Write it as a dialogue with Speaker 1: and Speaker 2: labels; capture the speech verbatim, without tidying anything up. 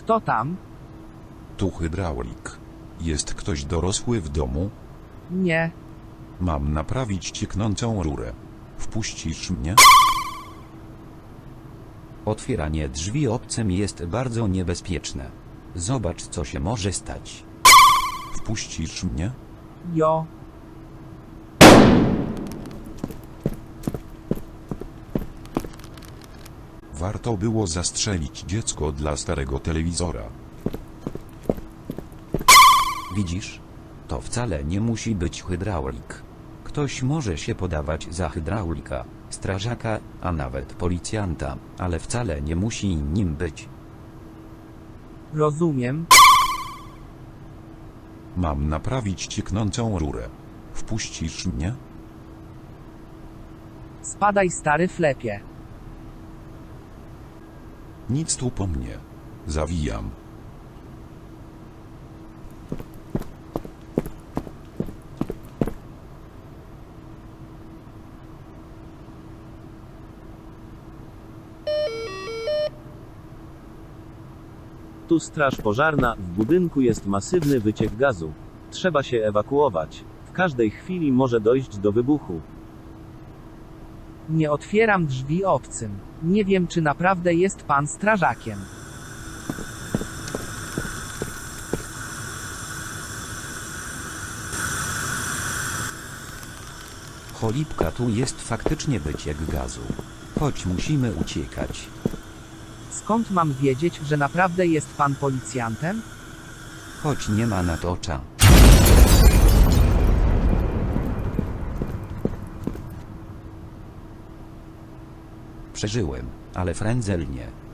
Speaker 1: Kto tam?
Speaker 2: Tu hydraulik. Jest ktoś dorosły w domu?
Speaker 1: Nie.
Speaker 2: Mam naprawić cieknącą rurę. Wpuścisz mnie?
Speaker 3: Otwieranie drzwi obcym jest bardzo niebezpieczne. Zobacz, co się może stać.
Speaker 2: Wpuścisz mnie?
Speaker 1: Jo.
Speaker 2: Warto było zastrzelić dziecko dla starego telewizora.
Speaker 3: Widzisz? To wcale nie musi być hydraulik. Ktoś może się podawać za hydraulika, strażaka, a nawet policjanta, ale wcale nie musi nim być.
Speaker 1: Rozumiem.
Speaker 2: Mam naprawić cieknącą rurę. Wpuścisz mnie?
Speaker 1: Spadaj, stary flepie.
Speaker 2: Nic tu po mnie. Zawijam.
Speaker 4: Tu straż pożarna, w budynku jest masywny wyciek gazu. Trzeba się ewakuować. W każdej chwili może dojść do wybuchu.
Speaker 1: Nie otwieram drzwi obcym. Nie wiem, czy naprawdę jest pan strażakiem.
Speaker 3: Cholipka, tu jest faktycznie wyciek gazu. Chodź, musimy uciekać.
Speaker 1: Skąd mam wiedzieć, że naprawdę jest pan policjantem?
Speaker 3: Chodź, nie ma na to cza. Przeżyłem, ale frędzel nie.